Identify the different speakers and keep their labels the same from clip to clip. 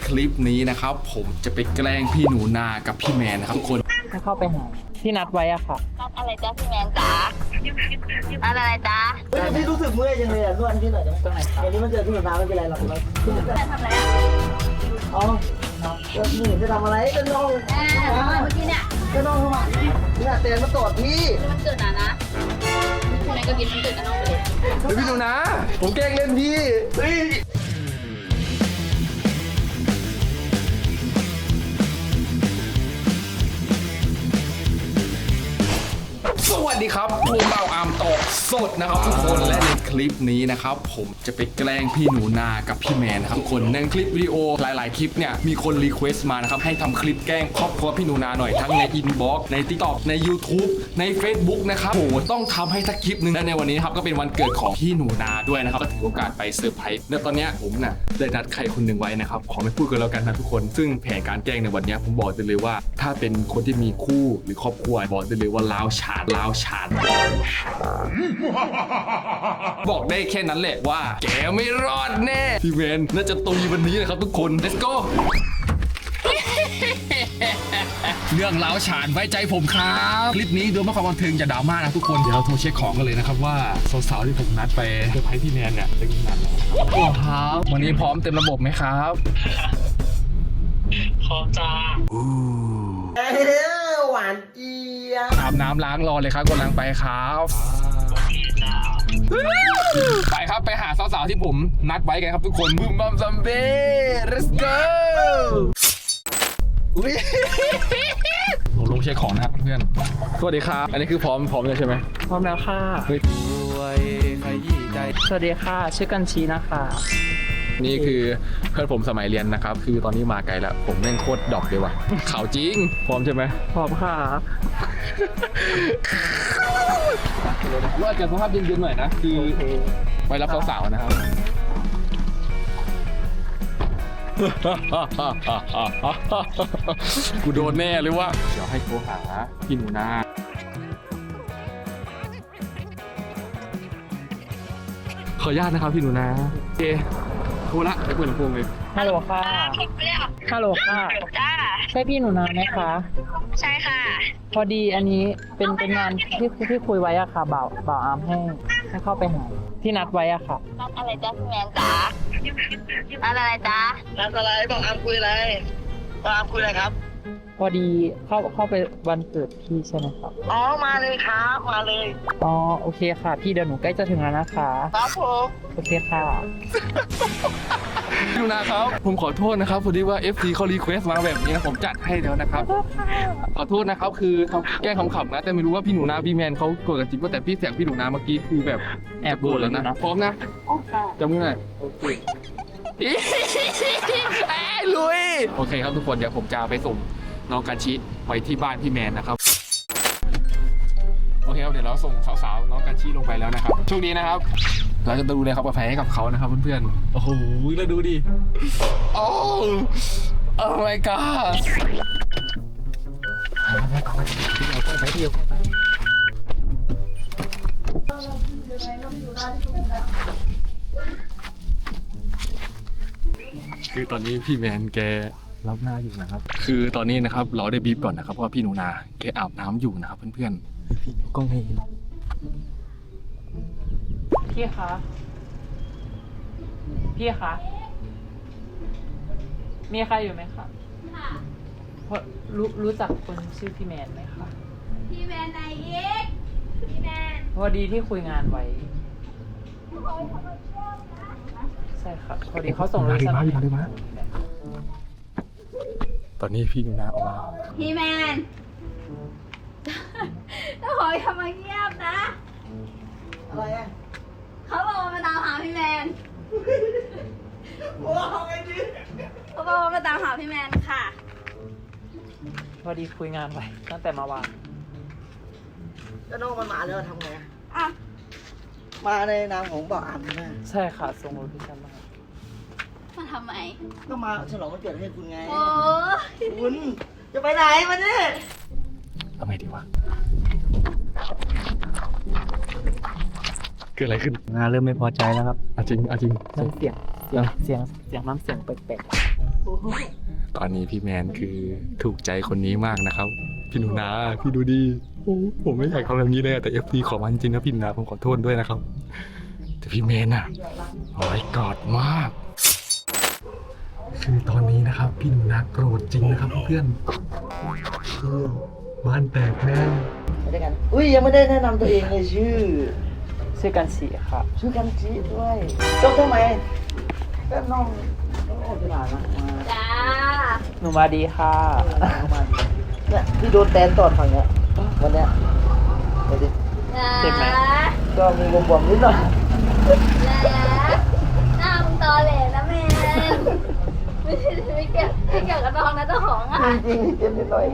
Speaker 1: คลิปนี้นะครับผมจะไปแกล้งพี่หนูนากับพี่แมนนะครับทุกคน
Speaker 2: ให้เข้าไปหาที่นัดไว้อะค่ะ
Speaker 3: นัดอะไรจ๊ะพี่แมนจ๋านัดอะไรจ๊ะ
Speaker 4: พี่รู้สึกเมื่อยจังเลยอ่ะนวดพี่หน่อยได้ไหมตรงไหนครับวันนี้มันเจอพี่หนูนาไม่เป็นไรหรอกเราพี่จะ
Speaker 3: ทำอะไรอ่ะ
Speaker 4: อ๋อนี่จะทำอะไรจะน้อง
Speaker 3: เมื่อกี้เนี่ย
Speaker 4: จะน้องทำไมเนี่ยเตนมาตรวจพี่
Speaker 3: มันเกิดนะพี่แมนก็กินมันเกิดกับน้องไปเลย
Speaker 1: พี่หนูนาผมแกล้งเล่นพี่สวัสดีครับผมเบาอามตอกสดนะครับทุกคนและในคลิปนี้นะครับผมจะไปแกล้งพี่หนูนากับพี่แมนนะครับทุกคนในคลิปวิดีโอหลายๆคลิปเนี่ยมีคนรีเควสต์มานะครับให้ทำคลิปแกล้งครอบครัวพี่หนูนาหน่อยทั้งในอินบ็อกซ์ใน TikTok ใน YouTube ใน Facebook นะครับโหต้องทำให้สักคลิปนึงและในวันนี้ครับก็เป็นวันเกิดของพี่หนูนาด้วยนะครับก็ถือโอกาสไปเซอร์ไพรส์และตอนนี้ผมน่ะได้นัดใครคนหนึ่งไว้นะครับขอไม่พูดกันแล้วกันนะทุกคนซึ่งแผนการแกล้งในวันนี้ผมบอกได้เลยว่าถ้าเป็นคนที่มีคู่หรือครอบครัวบอกได้เลยว่าล้าวฉานบอกได้แค่นั้นแหละว่าแกไม่รอดแน่พี่แมนน่าจะตุยวันนี้นะครับทุกคน let's go เรื่องล้าวฉานไว้ใจผมครับคลิปนี้ดูไม่ความบันเทิงจะดราม่านะทุกคนเดี๋ยวเราโทรเช็คของกันเลยนะครับว่าสาวๆที่ผมนัดไปเซอร์ไพรส์พี่แมนเนี่ยเป็นยังไงนะครับโอ้ครับวันนี้พร้อมเต็มระบบไหมครับ
Speaker 2: พร้อมจ้า
Speaker 4: หวานเจี๊ยบ
Speaker 1: อาบน้ำล้างรอเลยครับกำลังไปครับไปครับไปหาสาวๆที่ผมนัดไว้กันครับทุกคนบึมบัมซัมเบ้ let's go ผมลงเช็คของนะครับเพื่อนสวัสดีครับอันนี้คือพร้อมเลยใช่ไหม
Speaker 2: พร้อมแล้วค่ะสวัสดีค่ะชื่อกันชีนะคะ
Speaker 1: นี่คือเพื่อนผมสมัยเรียนนะครับคือตอนนี้มาไกลแล้วผมแม่งโคตรดอกเลยว่ะข่าวจริงพร้อมใช่ไหม
Speaker 2: พร้อมค่ะ
Speaker 1: ว่าจะสภาพเย็นๆหน่อยนะคือไปรับสาวๆนะครับกูโดนแน่เลยว่าเดี๋ยวให้โทรหาพี่หนูนาขออนุญาตนะครับพี่หนูนาโอเคโทรละไปเปิดลำโพงเลย
Speaker 2: ฮัลโหลค่ะฮัลโหลค่ะ
Speaker 3: จ้า
Speaker 2: ใช่พี่หนูนาไหมคะ
Speaker 3: ใช่ค่ะ
Speaker 2: พอดีอันนี้เป็นงานที่คุยไว้อะค่ะบ่าวอาร์มให้เข้าไปหาที่นัดไว้อะค่ะ
Speaker 3: นัดอะไรจ๊ะพี่แมนจ๋านัดอะไรจ๊ะ
Speaker 4: นัดอะไรบอกอาร์มคุยอะไรบอกอาร์มคุยอะไรครับ
Speaker 2: พอดีเข้าไปวันเกิดพี่ใช่ไหมครับ
Speaker 4: อ๋อมาเลยครับมาเลย
Speaker 2: อ๋อโอเคค่ะพี่เดี๋ยวหนูใกล้จะถึงแล้วนะคะ
Speaker 4: ครับผม
Speaker 2: โอเคค่ะ
Speaker 1: พี่หนูนาครับผมขอโทษนะครับพอดีว่า FC เขารีเควสต์มาแบบนี้ผมจัดให้แล้วนะครับขอโทษนะครับคือเขาแกล้งขำๆนะแต่ไม่รู้ว่าพี่หนูนาพี่แมนเขาโกรธกันจริงป่ะแต่พี่เสียงพี่หนูนาเมื่อกี้คือแบบ
Speaker 2: แอบโกรธแล้วนะ
Speaker 1: พร้อมนะจำมือหน่อยโอเคลุยโอเคครับทุกคนเดี๋ยวผมจะไปส่งน้องกันชิไปที่บ้านพี่แมนนะครับโอเคครับเดี๋ยวเราส่งสาวๆน้องกันชิลงไปแล้วนะครับช่วงนี้นะครับเราจะดูแลความปลอดภัยให้กับเขานะครับเพื่อนๆโอ้โหแล้วดูดิโอ้ my god คือตอนนี้พี่แมนแกรับหน้าอยู่นะครับคือตอนนี้นะครับเราได้บีบก่อนนะครับว่าพี่หนูนาแกอาบน้ำอยู่นะครับเพื่อนๆพี่กล้องให้
Speaker 2: พี่คะมีใครอยู่ไหมคะรู้จักคนชื่อพี่แมนไหมคะ
Speaker 3: พี่แมนไหนอีกพี่แมน
Speaker 2: พอดีที่คุยงานไว้ใช่ค่ะพอดีเขาส่งรูป
Speaker 1: มาตอนนี้พี่หนูนาออกมา
Speaker 3: พี่แมนถ้าขออย่ามาเงียบนะ
Speaker 4: อะไรอ่ะ
Speaker 3: เขาบอกว่ามาตามหาพี่แมน
Speaker 4: ว้าวไอ้ดิ
Speaker 3: เขาบอกว่ามาตามหาพี่แมนค่ะ
Speaker 2: พอดีคุยงานไว้ตั้งแต่เมื่อวาน
Speaker 4: แล้วน้องมันมาแล้วทำไง
Speaker 3: อ่ะ
Speaker 4: มาในนามของบอกอาร์มใช่ไหม
Speaker 2: ใช่ค่ะส่งโลเคชั่น
Speaker 3: มาทำไม
Speaker 4: ก็มาฉลองวันเกิดให้คุณไง
Speaker 3: โอ้
Speaker 4: คุณจะไปไหนมาเนี่ย
Speaker 1: ทำไงดีวะเกิดอะไรขึ้น
Speaker 2: เริ่มไม่พอใจแล้วครับ
Speaker 1: จริง
Speaker 2: น้ำเสียงน้ำเสียงแปลก
Speaker 1: ตอนนี้พี่แมนคือถูกใจคนนี้มากนะครับ พี่หนูนาพี่ดูดีโอ้ผมไม่อยากทำแบบนี้เลยแต่ FT ขอมันจริงนะพี่หนูนาผมขอโทษด้วยนะครับ แต่พี่แมนอะร้อยกอดมาก คือตอนนี้นะครับ พี่หนูนาโกรธจริงนะครับเพื่อนคือบ้านแตกแน่
Speaker 4: ไปด้วยกันอุ้ยยังไม่ได้แนะนำตัวเองเลยชื่อ
Speaker 2: กันสีครับ
Speaker 4: ชื่อกันจีด้วยจบทำไมก็น้องโอเคมานะมา
Speaker 3: จ้า
Speaker 2: หนูมาดีค่ะ
Speaker 4: มาเนี่ยที่โดนแตนตอดฝั่งเนี้ยวันเนี้ยไปดิ
Speaker 2: เจ็บไหม
Speaker 4: ก็มีบวมๆนิดหน่อย
Speaker 3: หน้ามึงตอแหลนะแมนไม่เกี่ยวกับน้องนะเจ้าของอ่ะ
Speaker 4: จริงๆเจ็บนิดหน่อย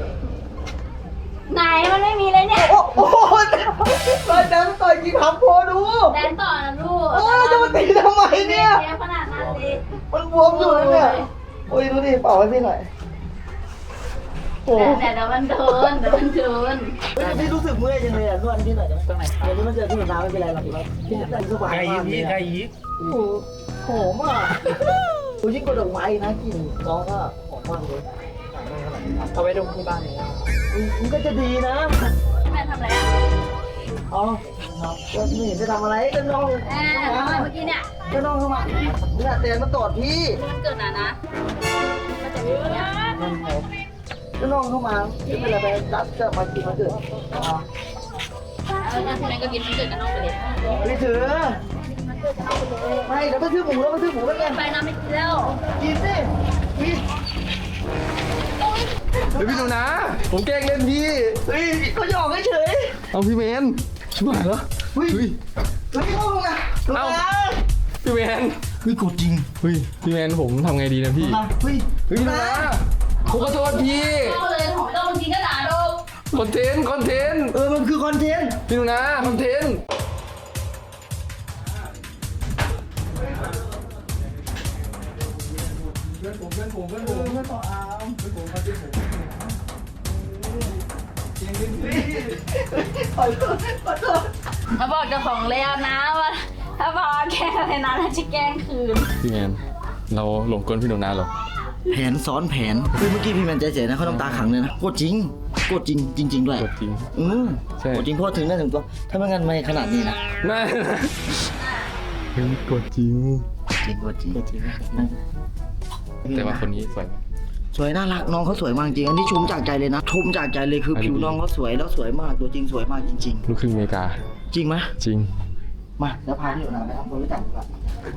Speaker 3: ไหนมันไม่มีเลยเนี่ย
Speaker 4: โอ้โหต่อยแตนต่อยจริงทำโพดู
Speaker 3: แดนต่อนะลูก
Speaker 4: โอ้ยจะมาตีทำไมเนี่ย
Speaker 3: เจ็บขนาดนั้นเลย
Speaker 4: มันบวมอยู่เลยเนี่ยโอ้ยดูดิเป่าให้พี่หน่อยโอ้
Speaker 3: เดี๋ยวมันโดนเดี๋ยวมันโดน
Speaker 4: พี่รู้สึกเมื่อยจังเลยอ่ะนวดพี่หน่อยได้ไหม
Speaker 2: ตรงไหนครับ
Speaker 4: เดี๋ยวนี้มันเจอที่หนูนาไม่เป็นไรหรอกพี่แต่งสบายมากเลยใครยิกโอ้โหหอมอ่ะโอ้ยยิ่งกว่าดอกไม้นะกลิ่นน้องก็หอมมากเลย
Speaker 2: เอาไว้ดมที่บ้านเลยนะ
Speaker 4: มันก็จะดีนะ
Speaker 3: แม่ทำอะไรอ่ะ
Speaker 4: อ๋อก็ไม่เห็นจะทำอะไรก็น้อง
Speaker 3: ทำอะไรเมื่อกี้เนี่ย
Speaker 4: ก็น้องเข้ามาเนี่ยแต่มาตอดพี่
Speaker 3: มันเกิดหนานะมันจะมีเนี่ย
Speaker 4: ก็น้องเข้ามาที่เป็นอะไรไปจัดก็มากินมาเกิด
Speaker 3: แล้วทีนั้นก็กินมันเกิดกับน้องไปเลย
Speaker 4: ไม่ถือไม่เดี๋ยวไปซื้อหมูแล้วไปซื้อหมูแล้วกัน
Speaker 3: ไปน้ำไม่กินแล้ว
Speaker 4: กินสิกิน
Speaker 1: เฮ้ยพี่หนูนาผมแกล้งเล่นพี่
Speaker 4: เฮ้ยก็หยอกเฉย
Speaker 1: เอาพี่แมนชิบหายแล้ว
Speaker 4: เฮ้ย
Speaker 1: เฮ้ย
Speaker 4: เฮ้ยเข้าลงนะลง
Speaker 1: เอ้า
Speaker 4: นะ
Speaker 1: พี่แมน
Speaker 4: เฮ้ยกดจริง
Speaker 1: เฮ้ยพี่แมนผมทำไงดีนะพี่
Speaker 4: มาเฮ้ย
Speaker 1: เฮ้ยพี่หนูนาผมขอโทษพี่
Speaker 3: เอาเลยของเจ้าจริงก็ด่าดู
Speaker 1: คอนเทนต์
Speaker 4: มันคือคอนเทนต์
Speaker 1: พี่หนูนาคอนเทนต์เพื่อนผม
Speaker 4: ต่ออาร์มขอโทษ
Speaker 3: มาบอกเจ้าของแล้วนะว่าถ้าบอกแกล้งอะไรนะจะแกล้งคืน
Speaker 1: พี่แมนเราหลงกลพี่หนูนาเหรอ
Speaker 4: แผนซ้อนแผนเฮ้ยเมื่อกี้พี่แมนใจเสียนะเขาน้ำตาขังเลยนะโคตรจริงโคตรจริงจริงๆด้วย
Speaker 1: กดจริง ใช่
Speaker 4: โคตรจริงเพราะถึงได้ถึงตัวถ้าไม่งั้นไม่ขนาดนี้นะ
Speaker 1: น่าเฮ้ยกดจริง
Speaker 4: จริงโคตรจริง
Speaker 1: แต่ว่าคนนี้สวยไหม
Speaker 4: สวยน่ารักน้องเขาสวยมากจริงอันนี้ชมจากใจเลยนะชมจากใจเลยคือ
Speaker 1: อันนี้
Speaker 4: ผิวน้องเขาสวยแล้วสวยมากตัวจริงสวยมากจริง
Speaker 1: ลูกครึ่งอเมริกา
Speaker 4: ๆ จริงไหม
Speaker 1: จริง
Speaker 4: มาแล้วพาพี่หนูนาไปทำความรู้จักดีกว่า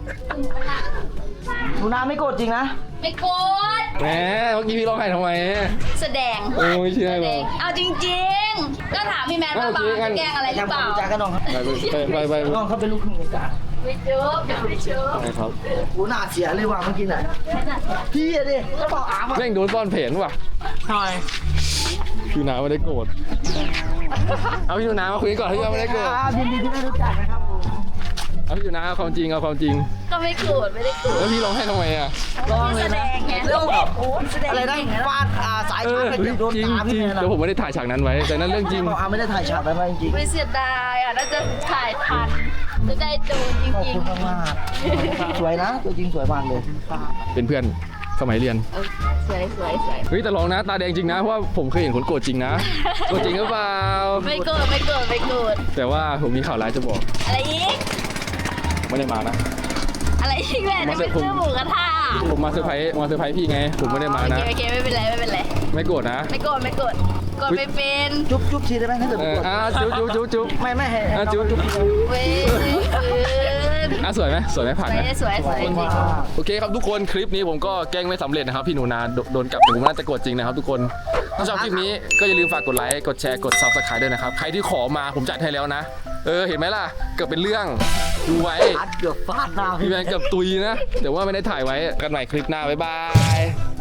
Speaker 4: หนูนาไม่โกรธจริงนะ
Speaker 3: ไม่โกรธ
Speaker 1: แหมเมื่อกี้พี่ร้องไห้ทำไม
Speaker 3: แสดง
Speaker 1: โอ้ยไม่เชื่อหรอก
Speaker 3: เอาจริงๆ ก็ถามพี่แมนว่า
Speaker 1: เอา
Speaker 3: บา
Speaker 1: จริงงั้
Speaker 3: จะ
Speaker 1: น
Speaker 3: แกล้งอะไรหรือ
Speaker 4: ทำ
Speaker 3: เป
Speaker 4: ความ
Speaker 3: ล่า
Speaker 4: รู้จักกันน้องครับ
Speaker 1: ไป
Speaker 4: น้องเขาเป็นลูกครึ่งอเมริกา
Speaker 3: ไม่เจอไม่เจอ
Speaker 1: ไปครับ
Speaker 4: โอ้หน้าเสียเลยว่ะเมื่อกี้ไหนพี่อะดิก็บอกอาร์มอะ
Speaker 1: แม่งโดนซ่อนแผนว่ะ
Speaker 2: ใช่
Speaker 1: พี่หนูนาไม่ได้โกรธเอาพี่หนูนามาคุยกันก่อนพี่หนูนาไม่ได้โกรธ
Speaker 4: ยินดีที่ได้รู้จักนะครับผม
Speaker 1: เอาพี่หนูนาเอาความจริง
Speaker 3: ก็ไม่โกรธไม่ได้โกรธ
Speaker 1: แล้วพี่ร้องไห้ทำไมอ่ะ
Speaker 4: ลองเลย
Speaker 3: แสด
Speaker 4: นะ
Speaker 3: งไง
Speaker 4: เรื่องแบบ
Speaker 3: โอ้แสดง
Speaker 4: อะไรนะ
Speaker 3: เก่งนะ
Speaker 4: ฟาดสาย
Speaker 1: เอ
Speaker 4: ชา
Speaker 1: อ
Speaker 4: ร์จไป
Speaker 1: เฮ้ย
Speaker 4: เกือบโดน
Speaker 1: จริง
Speaker 4: ตาพี่แมน
Speaker 1: แต่ผมไม่ได้ถ่ายฉากนั้นไว้ แต่นั่นเรื่องจริง
Speaker 4: บอกอาร์มไม่ได้ถ่ายฉากนั้นมาจริง
Speaker 3: ไม่เสียดายอ่ะน่าจะถ่ายทันจะได้ดูจ
Speaker 4: ๆขอบ
Speaker 3: ริง
Speaker 4: คุณมากๆสวยนะตัวจริงสวยมากเลย
Speaker 1: เป็นเพื่อนสมัยเรียน
Speaker 3: ๆสวย
Speaker 1: เฮ้ยแต่ลองนะตาแดงจริงนะเพราะว่าผมเคยเห็นคนโกรธจริงนะโกรธจริงหรือเปล่า
Speaker 3: ไม่โกรธไม่โกรธไม่โกรธ
Speaker 1: แต่ว่าผมมีข่าวร้ายจะบอก
Speaker 3: อะไรอีก
Speaker 1: ไม่ได้มานะ
Speaker 3: อะไรอีกแม่จะไปซื้อหมูกระทะ
Speaker 1: ผมมาเซอร์ไพรส์พี่ไง ผมไม่ได้มานะ
Speaker 3: โอเคไม่เป็นไรไม่เป็นไร
Speaker 1: ไม่โกรธนะ
Speaker 3: ไม่โกรธไม่โกรธกดไม่เป็น
Speaker 4: จุ๊บทีได้ไหมถ้าเกิด
Speaker 1: เอ
Speaker 4: ไม่
Speaker 1: อก
Speaker 4: ด
Speaker 1: จุ๊บ
Speaker 4: ไม่ให้
Speaker 1: จุ๊บ
Speaker 3: เว้ย
Speaker 1: สวยไหมผ่านไหม
Speaker 3: สวยจริง
Speaker 1: โอเคครับทุกคนคลิปนี้ผมก็แกล้งไม่สำเร็จนะครับพี่หนูนาโดนกลับผมน่าจะโกรธจริงนะครับทุกคนถ้าชอบคลิปนี้ก็อย่าลืมฝากกดไลค์กดแชร์กด Subscribe ด้วยนะครับใครที่ขอมาผมจัดให้แล้วนะเห็นไหมล่ะเกือบเป็นเรื่องดูไว้
Speaker 4: อัดเกือบฟาดหน้า
Speaker 1: พี่แมนเกือบตุยนะแต่ว่าไม่ได้ถ่ายไว้กันใหม่คลิปหน้าบ๊ายบาย